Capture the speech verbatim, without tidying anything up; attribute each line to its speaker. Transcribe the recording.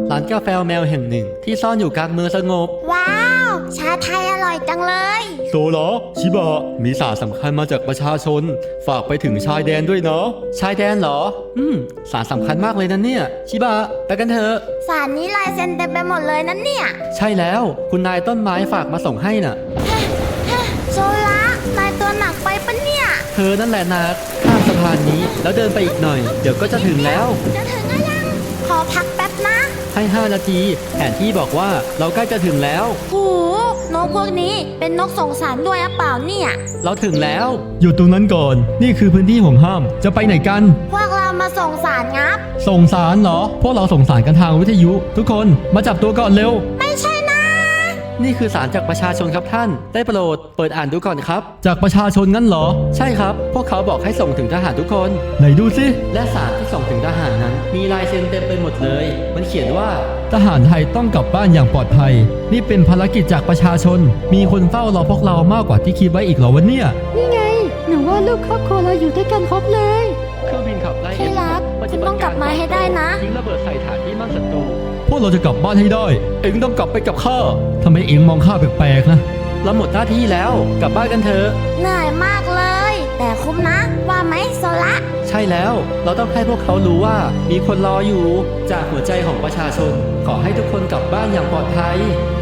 Speaker 1: ร้านกาแฟแมวแห่งหนึ่งที่ซ่อนอยู่กลางเมืองสงบ
Speaker 2: ว้าว ชาไทยอร่อยจังเลย
Speaker 1: โซลาชิบะมีสารสำคัญมาจากประชาชนฝากไปถึงชายแดนด้วยเนาะชายแดนเหรออืมสารสำคัญมากเลยนะเนี่ยชิบะไปกันเถอะ
Speaker 2: สารนี้ลายเซ็นเต็มไปหมดเลยนั่นเนี่ย
Speaker 1: ใช่แล้วคุณนายต้นไม้ฝากมาส่งให้น่ะ
Speaker 2: โซละนายตัวหนักไปปะเนี่ย
Speaker 1: เธอนั่นแหละนักข้ามสะพานนี้แล้วเดินไปอีกหน่อยเดี๋ยวก็จะถึงแล้ว
Speaker 2: จะถึงแล้วยัง ขอพักแป๊บนะ
Speaker 1: ให้ห้านาทีแผนที่บอกว่าเราใกล้จะถึงแล้ว
Speaker 2: หูนกพวกนี้เป็นนกสงสารด้วยหรือเปล่าเนี่ย
Speaker 1: เราถึงแล้วอยู่ตรงนั้นก่อนนี่คือพื้นที่ของห้ามจะไปไหนกัน
Speaker 2: พวกเรามาส่งสารงับ
Speaker 1: ส่งสารเหรอพวกเราส่งสารกันทางวิทยุ ทุกคนมาจับตัวก่อนเร็ว
Speaker 2: ไม่ใช่นะ
Speaker 1: นี่คือสารจากประชาชนครับท่านได้โปรดเปิดอ่านดูก่อนครับ จากประชาชนงั้นเหรอใช่ครับ พวกเขาบอกให้ส่งถึงทหารทุกคนไหนดูสิและสารที่ส่งถึงทหารนั้น มีลายเซ็นเต็มไปหมดเลย มันเขียนว่าทหารไทยต้องกลับบ้านอย่างปลอดภัย นี่เป็นภารกิจจากประชาชน มีคนเฝ้ารอพวกเรามากกว่าที่คิดไว้อีกเหรอวะเนี่ย
Speaker 3: นี่ไงหนูว่าลูกครอบครัวเราอยู่ด้วยกันครบเลย
Speaker 1: เครื่องบินขับไล่
Speaker 2: ที่รักคุณต้องกลับมาให้ได้นะ
Speaker 1: ยิงระเบิดใส่ฐานที่มั่นศัตรูพวกเราจะกลับบ้านให้ได้ เอ็งต้องกลับไปกับข้าทำไมเอ็งมองข้าแปลกๆนะเราหมดหน้าที่แล้วกลับบ้านกันเถอะ
Speaker 2: เหนื่อยมากเลย แต่คุ้มนะ ว่าไหมโซละ
Speaker 1: ใช่แล้วเราต้องให้พวกเขารู้ว่ามีคนรออยู่จากหัวใจของประชาชน ขอให้ทุกคนกลับบ้านอย่างปลอดภัย